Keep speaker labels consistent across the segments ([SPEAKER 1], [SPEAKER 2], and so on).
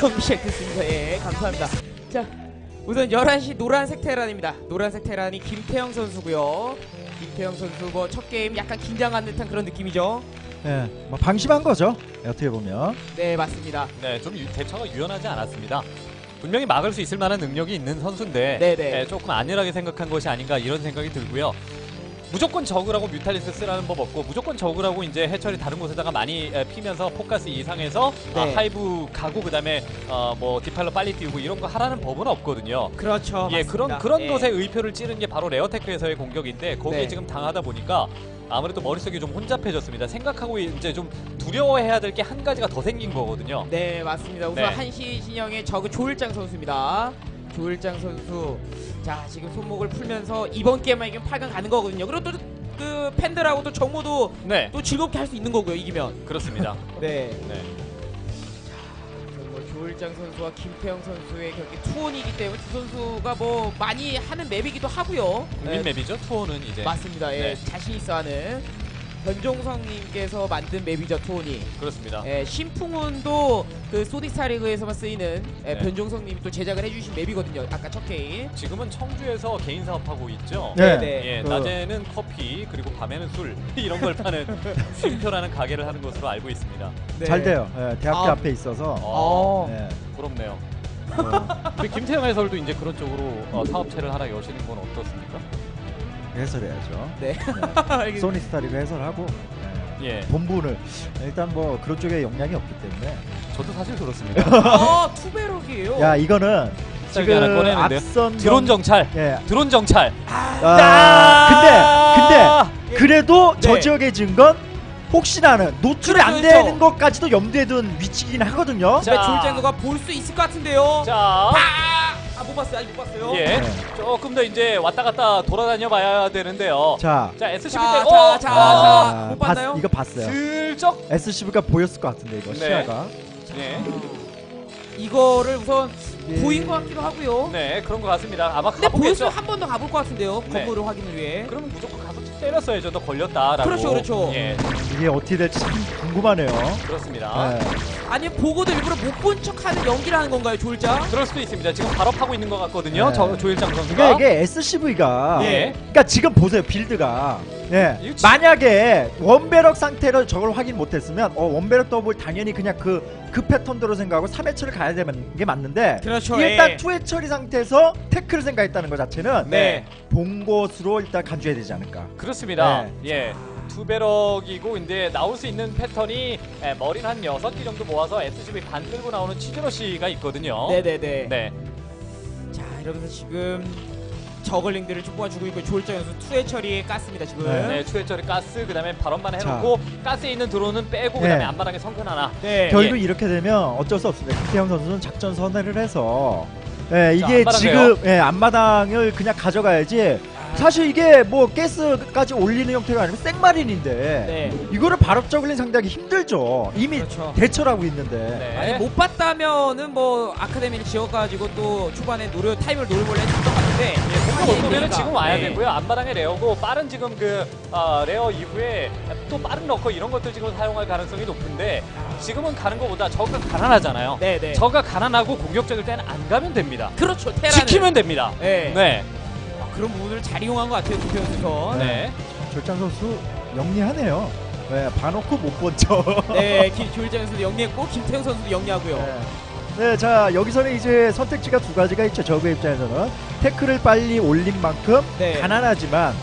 [SPEAKER 1] 경기 시작됐습니다. 예, 감사합니다. 자, 우선 11시 노란색 테란입니다. 노란색 테란이 김태형 선수고요. 김태형 선수 뭐 첫 게임 약간 긴장한 듯한 그런 느낌이죠.
[SPEAKER 2] 네, 뭐 방심한 거죠. 어떻게 보면.
[SPEAKER 1] 네, 맞습니다.
[SPEAKER 3] 네, 좀 대처가 유연하지 않았습니다. 분명히 막을 수 있을 만한 능력이 있는 선수인데
[SPEAKER 1] 네네.
[SPEAKER 3] 조금 안일하게 생각한 것이 아닌가 이런 생각이 들고요. 무조건 저그라고 뮤탈리스 쓰라는 법 없고 무조건 저그라고 이제 해철이 다른 곳에다가 많이 피면서 포커스 이상해서
[SPEAKER 1] 네.
[SPEAKER 3] 하이브 가고 그다음에 뭐 디팔러 빨리 띄우고 이런 거 하라는 법은 없거든요.
[SPEAKER 1] 그렇죠.
[SPEAKER 3] 예,
[SPEAKER 1] 맞습니다.
[SPEAKER 3] 그런
[SPEAKER 1] 예.
[SPEAKER 3] 것에 의표를 찌른 게 바로 레어테크에서의 공격인데 거기에
[SPEAKER 1] 네.
[SPEAKER 3] 지금 당하다 보니까 아무래도 머릿속이 좀 혼잡해졌습니다. 생각하고 이제 좀 두려워해야 될 게 한 가지가 더 생긴 거거든요.
[SPEAKER 1] 네, 맞습니다. 우선
[SPEAKER 3] 네.
[SPEAKER 1] 한시 진영의 저그 조일장 선수입니다. 조일장 선수. 자, 지금 손목을 풀면서 이번 게임만 이기면 8강 가는 거거든요. 그리고 또 그 팬들하고 또 정모도
[SPEAKER 3] 네,
[SPEAKER 1] 또 즐겁게 할 수 있는 거고요. 이기면.
[SPEAKER 3] 그렇습니다.
[SPEAKER 1] 네.
[SPEAKER 3] 네.
[SPEAKER 1] 뭐 조일장 선수와 김태형 선수의 경기 투혼이기 때문에 두 선수가 뭐 많이 하는 맵이기도 하고요.
[SPEAKER 3] 국민
[SPEAKER 1] 네,
[SPEAKER 3] 맵이죠. 투어는 이제
[SPEAKER 1] 맞습니다. 예,
[SPEAKER 3] 네.
[SPEAKER 1] 자신 있어 하는 변종성님께서 만든 맵이죠, 투혼이.
[SPEAKER 3] 그렇습니다.
[SPEAKER 1] 예, 신풍운도 그 소닉스타 리그에서만 쓰이는
[SPEAKER 3] 네.
[SPEAKER 1] 변종성님이 또 제작을 해주신 맵이거든요. 아까 첫 게임.
[SPEAKER 3] 지금은 청주에서 개인 사업하고 있죠.
[SPEAKER 2] 네.
[SPEAKER 1] 네.
[SPEAKER 3] 예,
[SPEAKER 2] 그-
[SPEAKER 3] 낮에는 커피 그리고 밤에는 술 이런 걸 파는 쉼표라는 가게를 하는 것으로 알고 있습니다.
[SPEAKER 1] 네.
[SPEAKER 2] 잘 돼요. 예, 대학교
[SPEAKER 1] 아.
[SPEAKER 2] 앞에 있어서.
[SPEAKER 1] 어.
[SPEAKER 2] 네.
[SPEAKER 3] 부럽네요.
[SPEAKER 2] 뭐,
[SPEAKER 3] 우리 김태형 해설도 이제 그런 쪽으로 사업체를 하나 여시는 건 어떻습니까?
[SPEAKER 2] 해설해야죠.
[SPEAKER 1] 네.
[SPEAKER 2] 네. 소니스타리그 해설하고
[SPEAKER 3] 예,
[SPEAKER 2] 본부를 일단 뭐 그런 쪽에 역량이 없기 때문에.
[SPEAKER 3] 저도 사실 그렇습니다.
[SPEAKER 1] 투베럭이에요.
[SPEAKER 2] 야, 이거는
[SPEAKER 3] 쌀기 하나
[SPEAKER 2] 지금
[SPEAKER 3] 꺼내는데요.
[SPEAKER 2] 앞선
[SPEAKER 3] 드론 정찰,
[SPEAKER 2] 예.
[SPEAKER 3] 드론 정찰.
[SPEAKER 2] 근데 그래도 저
[SPEAKER 1] 네.
[SPEAKER 2] 지역에 지은 건 혹시나는 노출이
[SPEAKER 1] 그렇죠,
[SPEAKER 2] 안
[SPEAKER 1] 그렇죠.
[SPEAKER 2] 되는 것까지도 염두에 둔 위치긴 하거든요.
[SPEAKER 1] 근데 조일장 누가 볼 수 있을 것 같은데요.
[SPEAKER 3] 자,
[SPEAKER 1] 못 봤어요. 아직 못 봤어요.
[SPEAKER 3] 예,
[SPEAKER 2] 네.
[SPEAKER 3] 조금 더 이제 왔다 갔다 돌아다녀 봐야 되는데요.
[SPEAKER 2] 자,
[SPEAKER 3] SCV
[SPEAKER 1] 자,
[SPEAKER 3] 때,
[SPEAKER 1] 자, 못 봤나요?
[SPEAKER 2] 이거 봤어요.
[SPEAKER 3] 슬쩍.
[SPEAKER 2] SCV가 보였을 것 같은데 이거
[SPEAKER 3] 네.
[SPEAKER 2] 시야가.
[SPEAKER 3] 예,
[SPEAKER 1] 이거를 우선
[SPEAKER 2] 예.
[SPEAKER 1] 보인 것 같기도 하고요.
[SPEAKER 3] 네, 그런 것 같습니다. 아마
[SPEAKER 1] 근데
[SPEAKER 3] 가보겠죠.
[SPEAKER 1] 보였으면 한 번 더 가볼 것 같은데요.
[SPEAKER 3] 네.
[SPEAKER 1] 건물을 확인을 위해.
[SPEAKER 3] 그러면 무조건 가서 때렸어야죠. 너 걸렸다라고.
[SPEAKER 1] 그렇죠, 그렇죠.
[SPEAKER 3] 예,
[SPEAKER 2] 이게 어떻게 될지 참 궁금하네요.
[SPEAKER 3] 그렇습니다.
[SPEAKER 2] 네.
[SPEAKER 1] 아니면 보고도 일부러 못 본 척하는 연기를 하는 건가요, 조일장?
[SPEAKER 3] 그럴 수도 있습니다. 지금 발업하고 있는 것 같거든요.
[SPEAKER 2] 네.
[SPEAKER 3] 저 조일장 선수가.
[SPEAKER 2] 그러니까 이게 SCV가
[SPEAKER 3] 예.
[SPEAKER 2] 그러니까 지금 보세요 빌드가 예.
[SPEAKER 3] 이거 지-
[SPEAKER 2] 만약에 원배럭 상태로 저걸 확인 못했으면 원배럭 더블 당연히 그냥 그 패턴대로 생각하고 3회처를 가야 되는 게 맞는데
[SPEAKER 1] 그렇죠.
[SPEAKER 2] 일단
[SPEAKER 1] 예.
[SPEAKER 2] 2회 처리 상태에서 태클을 생각했다는 것 자체는
[SPEAKER 3] 네,
[SPEAKER 2] 본 것으로 일단 간주해야 되지 않을까.
[SPEAKER 3] 그렇습니다.
[SPEAKER 2] 네.
[SPEAKER 3] 예. 투베럭이고 이제 나올 수 있는 패턴이 머리는 한 6개 정도 모아서 SCV 반 끌고 나오는 치즈러시가 있거든요.
[SPEAKER 1] 네네네.
[SPEAKER 3] 네.
[SPEAKER 1] 자, 이러면서 지금 저글링들을 좀 뽑아주고 있고 조일장 선수 투회 처리에 깠습니다 지금.
[SPEAKER 2] 네.
[SPEAKER 3] 네, 추해철이 가스 그다음에 발언만 해놓고 가스에 있는 드론은 빼고
[SPEAKER 2] 네.
[SPEAKER 3] 그다음에 앞마당에 성큰 하나.
[SPEAKER 1] 네.
[SPEAKER 2] 결국 이렇게 되면 어쩔 수 없습니다. 김태형 선수는 작전 선회를 해서 이게
[SPEAKER 3] 앞마당
[SPEAKER 2] 지금 앞마당을 그냥 가져가야지. 사실 이게 뭐 가스까지 올리는 형태가 아니고 생마린인데
[SPEAKER 1] 네.
[SPEAKER 2] 이거를 발업 저글링 상대하기 힘들죠. 이미
[SPEAKER 1] 그렇죠.
[SPEAKER 2] 대처를 하고 있는데.
[SPEAKER 3] 네.
[SPEAKER 1] 아니 못 봤다면은 뭐 아카데미를 지어가지고 또 초반에 타임을 노려볼래 했던 것 같은데.
[SPEAKER 3] 공격 올 거면 지금 와야
[SPEAKER 1] 네.
[SPEAKER 3] 되고요. 앞마당에 레어고 빠른 지금 그 레어 이후에 또 빠른 러커 이런 것들 지금 사용할 가능성이 높은데 지금은 가는 것보다 저가 가난하잖아요.
[SPEAKER 1] 네네.
[SPEAKER 3] 저가 가난하고 공격적일 때는 안 가면 됩니다.
[SPEAKER 1] 그렇죠. 테라는.
[SPEAKER 3] 지키면 됩니다.
[SPEAKER 1] 네.
[SPEAKER 3] 네.
[SPEAKER 1] 그런 부분을 잘 이용한 것 같아요 김태현 선수.
[SPEAKER 3] 네.
[SPEAKER 2] 절장 선수 영리하네요. 네, 봐놓고 못 본 척.
[SPEAKER 1] 네, 조일장 선수도 영리했고 김태형 선수도 영리하고요.
[SPEAKER 2] 네. 네, 자 여기서는 이제 선택지가 두 가지가 있죠. 저그 입장에서는 태클을 빨리 올린 만큼
[SPEAKER 1] 네.
[SPEAKER 2] 가난하지만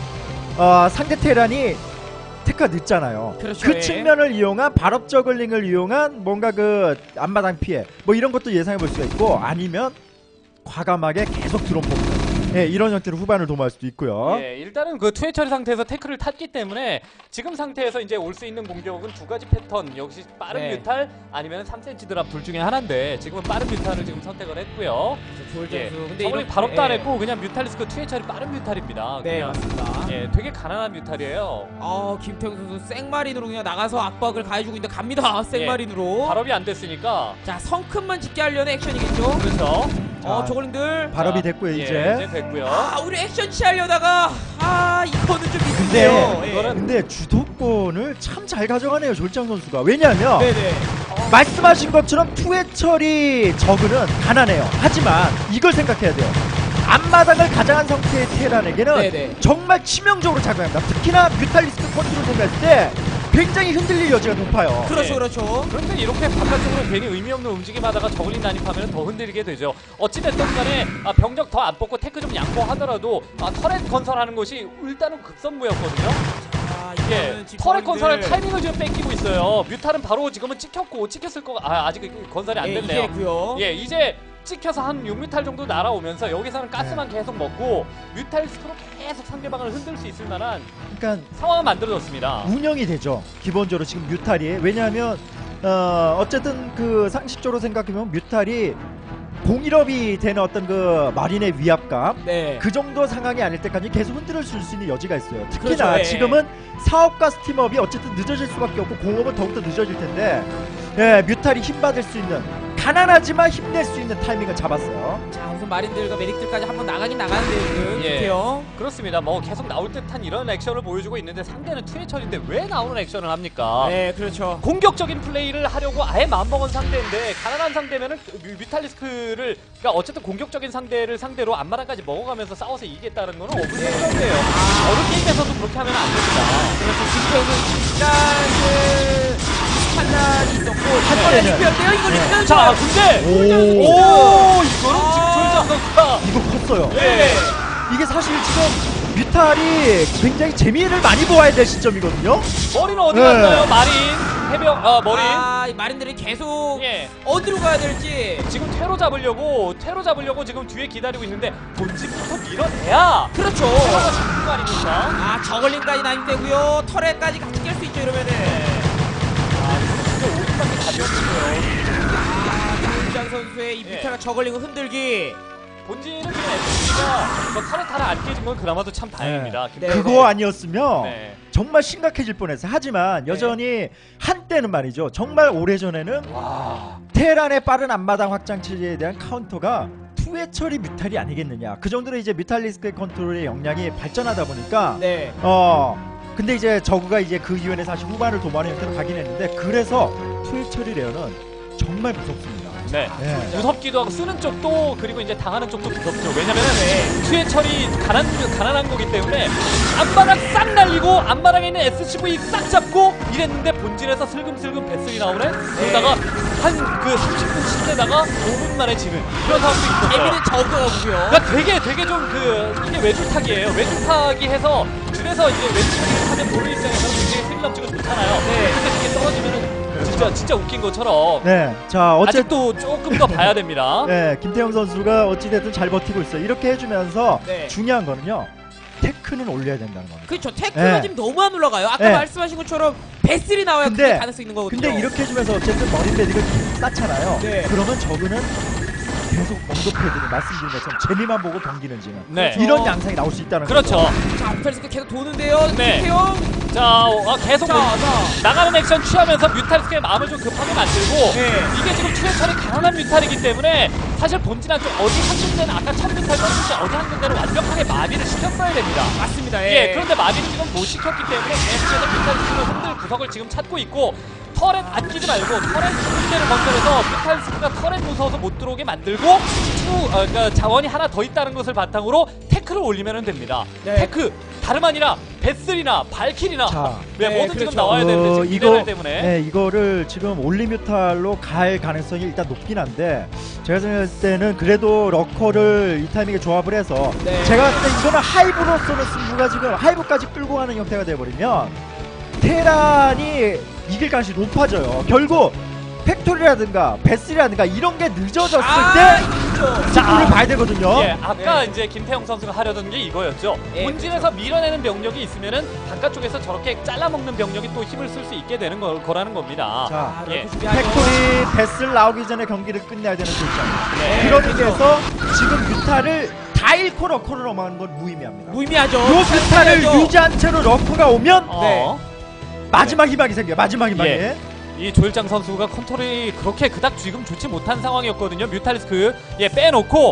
[SPEAKER 2] 상대 테란이 태클가 늦잖아요.
[SPEAKER 1] 그렇죠.
[SPEAKER 2] 그
[SPEAKER 1] 예.
[SPEAKER 2] 측면을 이용한 발업 저글링을 이용한 뭔가 그 앞마당 피해 뭐 이런 것도 예상해 볼 수가 있고 아니면 과감하게 계속 드론 뽑는 이런 형태로 후반을 도모할 수도 있고요.
[SPEAKER 3] 예, 일단은 그 투회 처리 상태에서 태클을 탔기 때문에 지금 상태에서 이제 올 수 있는 공격은 두 가지 패턴 역시 빠른
[SPEAKER 1] 네.
[SPEAKER 3] 뮤탈 아니면 3cm 드랍 둘 중에 하나인데 지금은 빠른 뮤탈을 지금 선택을 했고요.
[SPEAKER 1] 조일장
[SPEAKER 3] 예.
[SPEAKER 1] 선수. 근데
[SPEAKER 3] 저번에
[SPEAKER 1] 이렇게-
[SPEAKER 3] 발업도 안
[SPEAKER 1] 예.
[SPEAKER 3] 했고 그냥 뮤탈리스크 투회 처리 빠른 뮤탈입니다.
[SPEAKER 1] 네,
[SPEAKER 3] 그냥.
[SPEAKER 1] 맞습니다.
[SPEAKER 3] 예, 되게 가난한 뮤탈이에요.
[SPEAKER 1] 김태형 선수 생마린으로 그냥 나가서 압박을 가해주고 있는데 갑니다. 생마린으로.
[SPEAKER 3] 발업이 안 됐으니까
[SPEAKER 1] 자, 성큼만 짓게 하려는 액션이겠죠.
[SPEAKER 3] 그렇죠.
[SPEAKER 2] 자,
[SPEAKER 1] 저글링들.
[SPEAKER 2] 발업이
[SPEAKER 3] 자,
[SPEAKER 2] 됐고요
[SPEAKER 3] 예,
[SPEAKER 2] 이제.
[SPEAKER 3] 이제 됐고요.
[SPEAKER 1] 우리 액션 취하려다가 이거는 좀 있는데요. 예.
[SPEAKER 2] 근데 주도권을 참 잘 가져가네요 졸장 선수가. 왜냐하면
[SPEAKER 1] 네네.
[SPEAKER 2] 말씀하신 것처럼 투해철이 저그는 가난해요. 하지만 이걸 생각해야 돼요. 앞마당을 가장한 상태의 테란에게는
[SPEAKER 1] 네네.
[SPEAKER 2] 정말 치명적으로 작용합니다. 특히나 뮤탈리스트 컨트롤 생각할 때 굉장히 흔들릴 여지가 높아요.
[SPEAKER 1] 그렇죠,
[SPEAKER 3] 예.
[SPEAKER 1] 그렇죠.
[SPEAKER 3] 그런데 이렇게 바깥쪽으로 괜히 의미 없는 움직임하다가 저글링 난입하면 더 흔들리게 되죠. 어찌됐든 간에 병력 더 안 뽑고 테크 좀 양보하더라도 터렛 건설하는 것이 일단은 급선무였거든요. 예,
[SPEAKER 1] 이거는 지금
[SPEAKER 3] 터렛 건설할
[SPEAKER 1] 거인들,
[SPEAKER 3] 타이밍을 지금 뺏기고 있어요. 뮤탈은 바로 지금은 찍혔을 거가 아직 건설이 안
[SPEAKER 1] 예,
[SPEAKER 3] 됐네요.
[SPEAKER 1] 이해했고요.
[SPEAKER 3] 예, 이제 찍혀서 한 6뮤탈 정도 날아오면서 여기서는 가스만 계속 먹고 뮤탈 스크로 계속 상대방을 흔들 수 있을 만한
[SPEAKER 2] 그러니까
[SPEAKER 3] 상황을 만들어줬습니다.
[SPEAKER 2] 운영이 되죠. 기본적으로 지금 뮤탈이. 왜냐하면 어쨌든 그 상식적으로 생각하면 뮤탈이 공일업이 되는 어떤 그 마린의 위압감
[SPEAKER 1] 네.
[SPEAKER 2] 그 정도 상황이 아닐 때까지 계속 흔들어 줄 수 있는 여지가 있어요. 특히나
[SPEAKER 1] 그렇죠, 예.
[SPEAKER 2] 지금은 사업과 스팀업이 어쨌든 늦어질 수밖에 없고 공업은 더욱더 늦어질 텐데 예, 뮤탈이 힘받을 수 있는 가난하지만 힘낼 수 있는 타이밍을 잡았어요.
[SPEAKER 1] 자, 우선 마린들과 메딕들까지 한번 나가긴 나가는데요, 지금.
[SPEAKER 3] 예.
[SPEAKER 1] 김태형.
[SPEAKER 3] 그렇습니다. 뭐 계속 나올 듯한 이런 액션을 보여주고 있는데 상대는 투해철인데 왜 나오는 액션을 합니까?
[SPEAKER 1] 네, 그렇죠.
[SPEAKER 3] 공격적인 플레이를 하려고 아예 마음먹은 상대인데 가난한 상대면은 뮤탈리스크를 그러니까 어쨌든 공격적인 상대를 상대로 앞마당까지 먹어가면서 싸워서 이기겠다는 거는 없는 건데요. 어느 게임에서도 그렇게 하면 안 됩니다.
[SPEAKER 1] 그렇죠. 김태형은 일단 판단이 있었고
[SPEAKER 2] 한때는.
[SPEAKER 1] 이번에 이거 일단
[SPEAKER 3] 자, 근데
[SPEAKER 2] 오,
[SPEAKER 3] 이거는 지금 조일장 선수가
[SPEAKER 2] 이거 컸어요.
[SPEAKER 3] 예.
[SPEAKER 2] 이게 사실 지금 뮤탈이 굉장히 재미를 많이 보아야 될 시점이거든요.
[SPEAKER 3] 머리는 어디
[SPEAKER 2] 네.
[SPEAKER 3] 갔나요? 마린, 해병, 머리.
[SPEAKER 1] 이 마린들이 계속
[SPEAKER 3] 예.
[SPEAKER 1] 어디로 가야 될지.
[SPEAKER 3] 지금 퇴로 잡으려고 지금 뒤에 기다리고 있는데 본진부터 밀어내야
[SPEAKER 1] 그렇죠.
[SPEAKER 3] 퇴로가 잡는 거 아닙니까?
[SPEAKER 1] 저글링까지 난입되고요. 터렛까지 같이 깰 수 있죠, 이러면은.
[SPEAKER 3] 진짜 오른쪽이 가벼웠고요.
[SPEAKER 1] 조일장 선수의 이
[SPEAKER 3] 예.
[SPEAKER 1] 뮤타가 저글링을 흔들기.
[SPEAKER 3] 본진은 지금 SC가 터렛 하나 안 깨진 건 그나마도 참 다행입니다.
[SPEAKER 1] 네.
[SPEAKER 2] 그거 아니었으면
[SPEAKER 3] 네.
[SPEAKER 2] 정말 심각해질 뻔했어요. 하지만 여전히 한때는 말이죠. 정말 오래전에는
[SPEAKER 3] 와.
[SPEAKER 2] 테란의 빠른 앞마당 확장 체제에 대한 카운터가 투해처리 뮤탈이 아니겠느냐. 그 정도로 이제 뮤탈리스크의 컨트롤의 역량이 발전하다 보니까
[SPEAKER 1] 네.
[SPEAKER 2] 근데 이제 저그가 이제 그 이후에는 사실 후반을 도모하는 형태로 가긴 했는데 그래서 투해처리 레어는 정말 무섭습니다.
[SPEAKER 3] 네.
[SPEAKER 2] 예.
[SPEAKER 3] 무섭기도 하고 쓰는 쪽도 그리고 이제 당하는 쪽도 무섭죠. 왜냐면은 투해철이 가난한 거기 때문에 앞마당 싹 날리고 앞마당에 있는 SCV 싹 잡고 이랬는데 본진에서 슬금슬금 배슬이 나오네. 그러다가 한 그 30분 씻다가 5분 만에 지는 그런 상황도 있었어요.
[SPEAKER 1] 재미는 저거고요.
[SPEAKER 3] 그러니까 되게 좀 이게 외줄타기예요. 외줄타기 해서 줄에서 이제 외줄타기를 하면 보는 입장에서는 굉장히 스릴 넘치고 좋잖아요.
[SPEAKER 1] 네.
[SPEAKER 3] 근데 그게 떨어지면은 진짜 웃긴 것처럼
[SPEAKER 2] 네. 자, 어쨌든
[SPEAKER 3] 아직도 조금 더 봐야 됩니다.
[SPEAKER 2] 네, 김태형 선수가 어찌됐든 잘 버티고 있어요. 이렇게 해주면서
[SPEAKER 1] 네.
[SPEAKER 2] 중요한 거는요. 테크는 올려야 된다는 겁니다.
[SPEAKER 1] 그렇죠. 태클가
[SPEAKER 2] 네.
[SPEAKER 1] 지금 너무 안 올라가요. 아까
[SPEAKER 2] 네.
[SPEAKER 1] 말씀하신 것처럼 배슬이 나와야
[SPEAKER 2] 근데-
[SPEAKER 1] 그게 가능성 있는 거거든요.
[SPEAKER 2] 근데 이렇게 해주면서 어쨌든 머리 패딩을 쌓잖아요.
[SPEAKER 1] 네.
[SPEAKER 2] 그러면 저그는 계속 언더 패딩을 말씀드린 것처럼 재미만 보고 경기는 지는
[SPEAKER 3] 네.
[SPEAKER 2] 이런 양상이 나올 수 있다는
[SPEAKER 3] 그렇죠.
[SPEAKER 2] 거죠.
[SPEAKER 1] 자, 펠스가 계속 도는데요.
[SPEAKER 3] 네.
[SPEAKER 1] 김태형.
[SPEAKER 3] 자, 계속
[SPEAKER 1] 자,
[SPEAKER 3] 나가는 액션 취하면서 뮤탈스크의 마음을 좀 급하게 만들고
[SPEAKER 1] 네.
[SPEAKER 3] 이게 지금 투해철이 강한 뮤탈이기 때문에 사실 본진한 쪽 어디 한 군데는 아까 첫 뮤탈 떴을 때 어디 한 군데는 완벽하게 마비를 시켰어야 됩니다.
[SPEAKER 1] 맞습니다.
[SPEAKER 3] 예, 그런데 마비를 지금 못 시켰기 때문에 계속해서 뮤탈스크를 흔들 구석을 지금 찾고 있고 터렛 아끼지 말고 터렛 군대를 건설해서 뮤탈스크가 터렛 무서워서 못 들어오게 만들고 그러니까 자원이 하나 더 있다는 것을 바탕으로 태클을 올리면 됩니다.
[SPEAKER 1] 네.
[SPEAKER 3] 태크 다름 아니라 베슬이나 발킬이나
[SPEAKER 2] 자.
[SPEAKER 3] 네,
[SPEAKER 1] 네,
[SPEAKER 3] 뭐든
[SPEAKER 1] 그렇죠.
[SPEAKER 3] 지금 나와야 되는데 지금 미네랄 때문에
[SPEAKER 2] 네, 이거를 지금 올리뮤탈로 갈 가능성이 일단 높긴 한데 제가 생각할 때는 그래도 러커를 이 타이밍에 조합을 해서
[SPEAKER 1] 네.
[SPEAKER 2] 제가 봤을 때 이거는 하이브로서는 승부가 지금 하이브까지 끌고 가는 형태가 돼버리면 테란이 이길 가능성이 높아져요. 결국 팩토리라든가 베슬이라든가 이런 게 늦어졌을 때
[SPEAKER 1] 그렇죠.
[SPEAKER 2] 승부를 봐야 되거든요.
[SPEAKER 3] 예, 아까
[SPEAKER 1] 네.
[SPEAKER 3] 이제 김태형 선수가 하려던 게 이거였죠.
[SPEAKER 1] 예,
[SPEAKER 3] 본진에서 밀어내는 병력이 있으면은 바깥쪽에서 저렇게 잘라먹는 병력이 또 힘을 쓸 수 있게 되는 거라는 겁니다.
[SPEAKER 2] 자,
[SPEAKER 1] 아,
[SPEAKER 3] 예.
[SPEAKER 1] 예. 준비하죠.
[SPEAKER 2] 팩토리 베슬 나오기 전에 경기를 끝내야 되는 조건.
[SPEAKER 3] 네.
[SPEAKER 2] 그런 의미에서 지금 뮤타를 다 잃고 러커를 넘어가는 건 무의미합니다.
[SPEAKER 1] 무의미하죠.
[SPEAKER 2] 요 뮤타를
[SPEAKER 1] 해야죠.
[SPEAKER 2] 유지한 채로 러커가 오면
[SPEAKER 3] 어,
[SPEAKER 2] 마지막 희망이 생겨요. 마지막 희망이.
[SPEAKER 3] 예. 이 조일장 선수가 컨트롤이 그렇게 그닥 지금 좋지 못한 상황이었거든요. 뮤탈리스크 빼놓고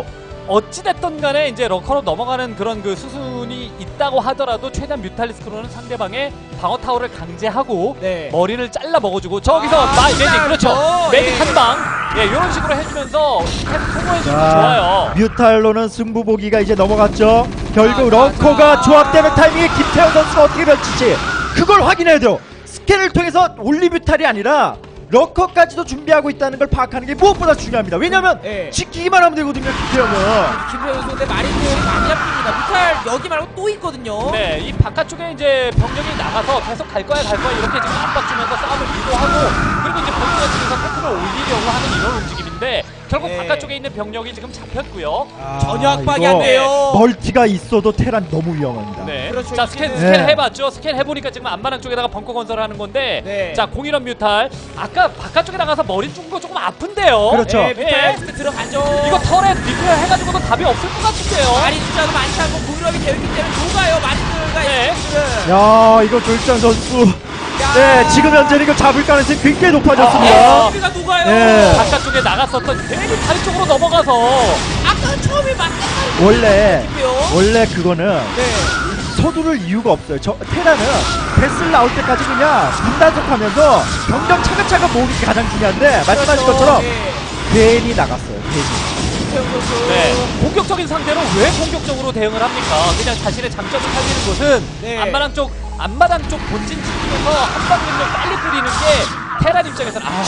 [SPEAKER 3] 어찌됐든 간에 이제 러커로 넘어가는 그런 그 수순이 있다고 하더라도 최대한 뮤탈리스크로는 상대방의 방어 타워를 강제하고
[SPEAKER 1] 네.
[SPEAKER 3] 머리를 잘라 먹어주고 저기서 메딕 그렇죠. 메딕 한 방. 예, 이런 식으로 해주면서 소모해주는 게 좋아요.
[SPEAKER 2] 뮤탈로는 승부 보기가 이제 넘어갔죠. 결국
[SPEAKER 1] 자,
[SPEAKER 2] 러커가 조합되는 타이밍에 김태형 선수가 어떻게 펼칠지 그걸 확인해야 돼요. 스캔을 통해서 올리뮤탈이 아니라 러커까지도 준비하고 있다는 걸 파악하는 게 무엇보다 중요합니다. 왜냐면
[SPEAKER 1] 네.
[SPEAKER 2] 지키기만 하면 되거든요, 김태형은.
[SPEAKER 1] 김태형 선수 근데 마린들이 많이 잡힙니다. 뮤탈 여기 말고 또 있거든요.
[SPEAKER 3] 네, 이 바깥쪽에 이제 병력이 나가서 계속 갈 거야 이렇게 지금 압박 주면서 싸움을 유도하고 그리고 이제 본진에 쪽에서 패트를 올리려고 하는 이런 움직임인데 결국
[SPEAKER 1] 네.
[SPEAKER 3] 바깥쪽에 있는 병력이 지금 잡혔고요.
[SPEAKER 1] 전혀 압박이
[SPEAKER 2] 이거
[SPEAKER 1] 안 돼요.
[SPEAKER 2] 멀티가 있어도 테란 너무 위험합니다.
[SPEAKER 3] 네.
[SPEAKER 1] 그렇죠.
[SPEAKER 3] 자, 스캔
[SPEAKER 2] 네.
[SPEAKER 3] 해봤죠. 스캔 해보니까 지금 안마랑 쪽에다가 벙커 건설을 하는 건데
[SPEAKER 1] 네.
[SPEAKER 3] 자, 공일원 뮤탈 아까 바깥쪽에 나가서 머리 준 거 조금 아픈데요.
[SPEAKER 2] 그렇죠.
[SPEAKER 1] 네, 뮤탈 스크 들어가죠.
[SPEAKER 3] 이거 털에 리페어 해가지고도 답이 없을 것 같은데요.
[SPEAKER 1] 마린 숫자도 많지 않고 공유럽이 되어 있기 때문에 녹아요. 마린들과
[SPEAKER 3] 네.
[SPEAKER 1] SC는.
[SPEAKER 2] 야, 이거 조일장 선수. 네, 지금 현재는 이거 잡을 가능성이 굉장히 높아졌습니다.
[SPEAKER 1] SC가 녹아요.
[SPEAKER 2] 네.
[SPEAKER 3] 바깥쪽에 나갔었던 괜히 다리 쪽으로 넘어가서
[SPEAKER 1] 아까 처음에 맞대가리
[SPEAKER 2] 원래 그거는
[SPEAKER 1] 네.
[SPEAKER 2] 서두를 이유가 없어요. 테라는 베슬 나올 때까지 그냥 분단속하면서 병력 차근차근 모으는 게 가장 중요한데 말씀하신 것처럼
[SPEAKER 1] 네.
[SPEAKER 2] 괜히 나갔어요. 괜히.
[SPEAKER 1] 김태형 선수.
[SPEAKER 3] 네. 공격적인 상대로 왜 공격적으로 대응을 합니까? 그냥 자신의 장점을 살리는 것은
[SPEAKER 1] 네.
[SPEAKER 3] 앞마당 쪽 본진 지키면서 한방 능력 빨리 뿌리는 게 테란 입장에서는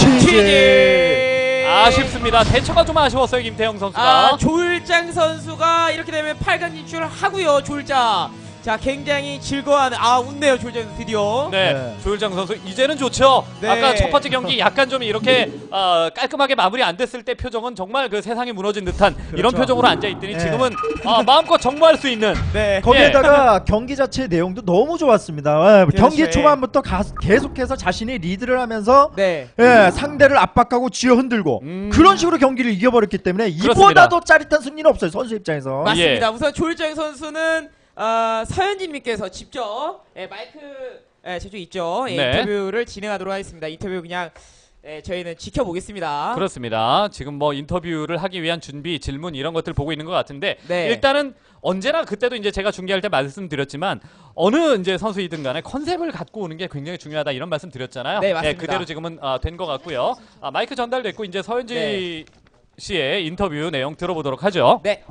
[SPEAKER 1] 취재.
[SPEAKER 3] 아쉽습니다. 대처가 좀 아쉬웠어요, 김태형 선수가.
[SPEAKER 1] 조일장 선수가 이렇게 되면 8강 진출을 하고요. 조일장. 자, 굉장히 즐거워하는 웃네요. 조일장 선수 드디어.
[SPEAKER 3] 네,
[SPEAKER 2] 네.
[SPEAKER 3] 조일장 선수 이제는 좋죠.
[SPEAKER 1] 네.
[SPEAKER 3] 아까 첫 번째 경기 약간 좀 이렇게 깔끔하게 마무리 안 됐을 때 표정은 정말 그 세상이 무너진 듯한 이런 표정으로 앉아 있더니
[SPEAKER 2] 네.
[SPEAKER 3] 지금은 마음껏 정모할 수 있는.
[SPEAKER 1] 네.
[SPEAKER 2] 거기에다가 경기 자체의 내용도 너무 좋았습니다. 경기
[SPEAKER 1] 그렇죠.
[SPEAKER 2] 초반부터 계속해서 자신이 리드를 하면서
[SPEAKER 1] 네.
[SPEAKER 2] 상대를 압박하고 쥐어 흔들고 그런 식으로 경기를 이겨버렸기 때문에 이보다도 짜릿한 승리는 없어요. 선수 입장에서.
[SPEAKER 1] 맞습니다. 우선 조일장 선수는 서현진님께서 직접 마이크 제주 있죠.
[SPEAKER 3] 네.
[SPEAKER 1] 인터뷰를 진행하도록 하겠습니다. 인터뷰 그냥 저희는 지켜보겠습니다.
[SPEAKER 3] 그렇습니다. 지금 뭐 인터뷰를 하기 위한 준비, 질문 이런 것들 보고 있는 것 같은데
[SPEAKER 1] 네.
[SPEAKER 3] 일단은 언제나 그때도 이제 제가 중계할 때 말씀드렸지만 어느 이제 선수이든 간에 컨셉을 갖고 오는 게 굉장히 중요하다 이런 말씀 드렸잖아요.
[SPEAKER 1] 네, 맞습니다.
[SPEAKER 3] 그대로 지금은 된 것 같고요. 마이크 전달됐고 이제 서현지
[SPEAKER 1] 네.
[SPEAKER 3] 씨의 인터뷰 내용 들어보도록 하죠.
[SPEAKER 1] 네.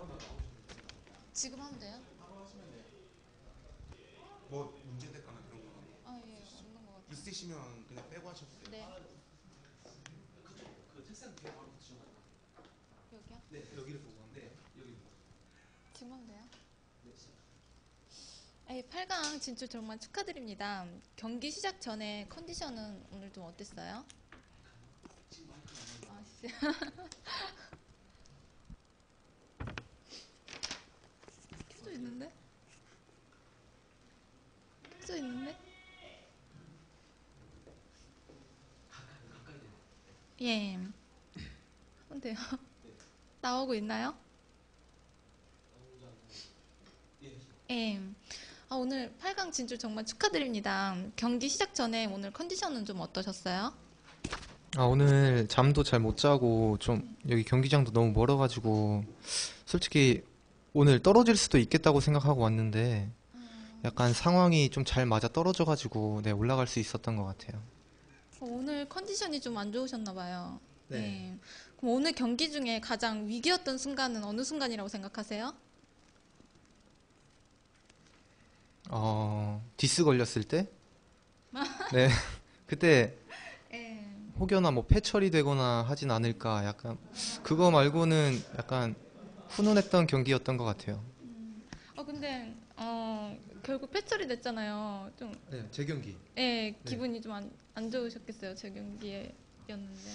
[SPEAKER 4] 지금 하면 돼요?
[SPEAKER 5] 뭐 문제됐거나 그런 거
[SPEAKER 4] 아, 예, 없는 것 같아요.
[SPEAKER 5] 있으시면 그냥 빼고 하셔도 돼요.
[SPEAKER 4] 네. 여기요?
[SPEAKER 5] 네, 여기를 보고 하는데 여기
[SPEAKER 4] 지금 하면 돼요? 네. 8강 진출 정말 축하드립니다. 경기 시작 전에 컨디션은 오늘 좀 어땠어요? 아, 진짜. 켜져 있는데? 켜져 있는데? 예. 하면 돼요. 나오고 있나요? 예. 오늘 8강 진출 정말 축하드립니다. 경기 시작 전에 오늘 컨디션은 좀 어떠셨어요?
[SPEAKER 6] 오늘 잠도 잘 못 자고 좀 여기 경기장도 너무 멀어가지고 솔직히 오늘 떨어질 수도 있겠다고 생각하고 왔는데 약간 상황이 좀 잘 맞아 떨어져가지고 네, 올라갈 수 있었던 것 같아요.
[SPEAKER 4] 오늘 컨디션이 좀 안 좋으셨나 봐요. 네. 그럼 오늘 경기 중에 가장 위기였던 순간은 어느 순간이라고 생각하세요?
[SPEAKER 6] 디스 걸렸을 때? 네. 그때
[SPEAKER 4] 예.
[SPEAKER 6] 혹여나 뭐 패처리 되거나 하진 않을까 약간 그거 말고는 약간 훈훈했던 경기였던 것 같아요.
[SPEAKER 4] 근데 결국 패처리 됐잖아요. 좀
[SPEAKER 6] 네, 제 경기.
[SPEAKER 4] 기분이 좀 안 좋으셨겠어요. 제 경기였는데.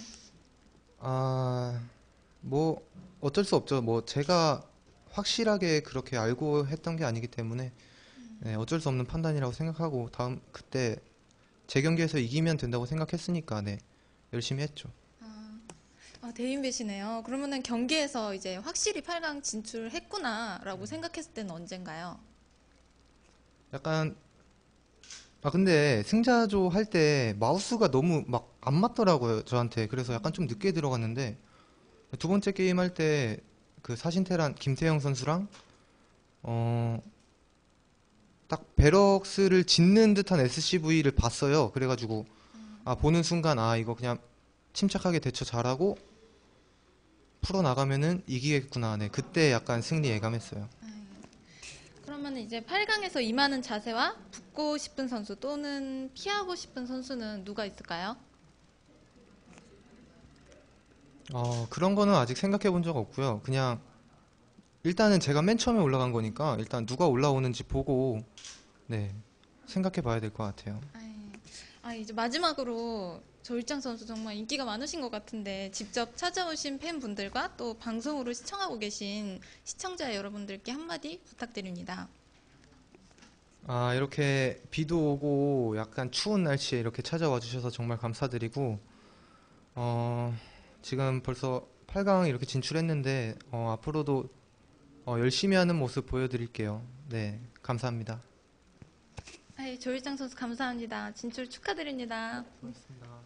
[SPEAKER 6] 뭐 어쩔 수 없죠. 뭐 제가 확실하게 그렇게 알고 했던 게 아니기 때문에 네, 어쩔 수 없는 판단이라고 생각하고 그때 제 경기에서 이기면 된다고 생각했으니까 네, 열심히 했죠.
[SPEAKER 4] 대인배시네요. 그러면은 경기에서 이제 확실히 8강 진출했구나라고 생각했을 때는 언젠가요?
[SPEAKER 6] 약간 근데 승자조 할 때 마우스가 너무 막 안 맞더라고요 저한테. 그래서 약간 좀 늦게 들어갔는데 두 번째 게임 할 때 그 사신테란 김태형 선수랑 딱 베럭스를 짓는 듯한 SCV를 봤어요. 그래가지고 보는 순간 이거 그냥 침착하게 대처 잘하고 풀어 나가면은 이기겠구나. 네, 그때 약간 승리 예감했어요.
[SPEAKER 4] 그러면 이제 8강에서 임하는 자세와 붙고 싶은 선수 또는 피하고 싶은 선수는 누가 있을까요?
[SPEAKER 6] 그런 거는 아직 생각해 본 적 없고요. 그냥 일단은 제가 맨 처음에 올라간 거니까 일단 누가 올라오는지 보고 네, 생각해 봐야 될 것 같아요.
[SPEAKER 4] 이제 마지막으로 조일장 선수 정말 인기가 많으신 것 같은데 직접 찾아오신 팬분들과 또 방송으로 시청하고 계신 시청자 여러분들께 한마디 부탁드립니다.
[SPEAKER 6] 이렇게 비도 오고 약간 추운 날씨에 이렇게 찾아와 주셔서 정말 감사드리고 지금 벌써 8강 이렇게 진출했는데 앞으로도 열심히 하는 모습 보여드릴게요. 네, 감사합니다.
[SPEAKER 4] 조일장 선수 감사합니다. 진출 축하드립니다.
[SPEAKER 6] 고맙습니다.